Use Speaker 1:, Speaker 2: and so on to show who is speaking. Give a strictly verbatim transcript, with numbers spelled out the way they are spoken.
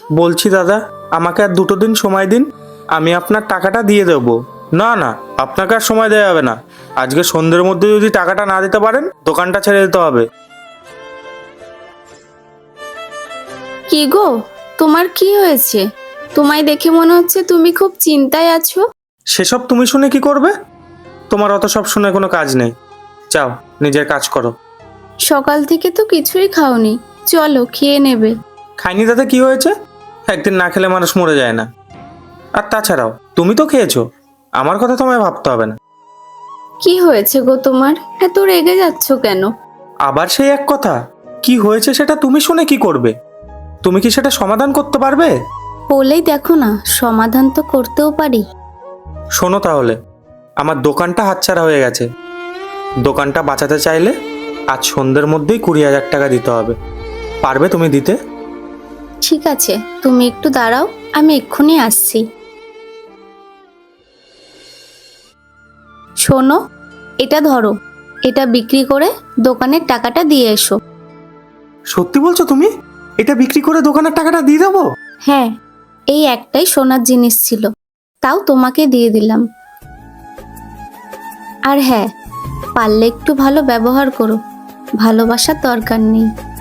Speaker 1: বলছি দাদা, আমাকে আর দুটো দিন সময় দিন, আমি আপনার টাকাটা দিয়ে দেবো। না না, আপনাকে আর সময় দেওয়া যাবে না। আজকে সন্ধ্যের মধ্যে যদি টাকাটা না দিতে পারেন, দোকানটা ছেড়ে দিতে হবে।
Speaker 2: কি গো, তোমার কি হয়েছে? তোমায় দেখে মনে হচ্ছে তুমি খুব চিন্তায় আছো।
Speaker 1: সেসব তুমি শুনে কি করবে? তোমার অত সব শুনে কোনো কাজ নেই। যাও, নিজের কাজ করো।
Speaker 2: সকাল থেকে তো কিছুই খাওনি, চলো খেয়ে নেবে।
Speaker 1: খাইনি তাতে কি হয়েছে? একদিন না খেলে মানুষ মরে যায় না। আর তাছাড়াও তুমি তো খেয়েছো, আমার কথা তোমায় ভাবতে হবে না।
Speaker 2: কি হয়েছে গো তোমার, এত রেগে যাচ্ছ কেন?
Speaker 1: আবার সেই এক কথা, কি হয়েছে সেটা তুমি শুনে কি করবে? তুমি কি সেটা সমাধান করতে পারবে?
Speaker 2: বলেই দেখো না, সমাধান তো করতেও পারি।
Speaker 1: শোনো তাহলে, আমার দোকানটা হাতছাড়া হয়ে গেছে। দোকানটা বাঁচাতে চাইলে আজ সন্ধ্যের মধ্যেই কুড়ি হাজার টাকা দিতে হবে। পারবে তুমি দিতে?
Speaker 2: ঠিক আছে, তুমি একটু দাঁড়াও, আমি এক্ষুনি আসছি। শোনো, এটা ধরো, এটা বিক্রি করে দোকানের টাকাটা দিয়ে এসো।
Speaker 1: সত্যি বলছো তুমি? এটা বিক্রি করে দোকানের টাকাটা দিয়ে দেবো?
Speaker 2: হ্যাঁ, এই একটাই সোনার জিনিস ছিল, তাও তোমাকে দিয়ে দিলাম। আর হ্যাঁ, পারলে একটু ভালো ব্যবহার করো, ভালোবাসার দরকার নেই।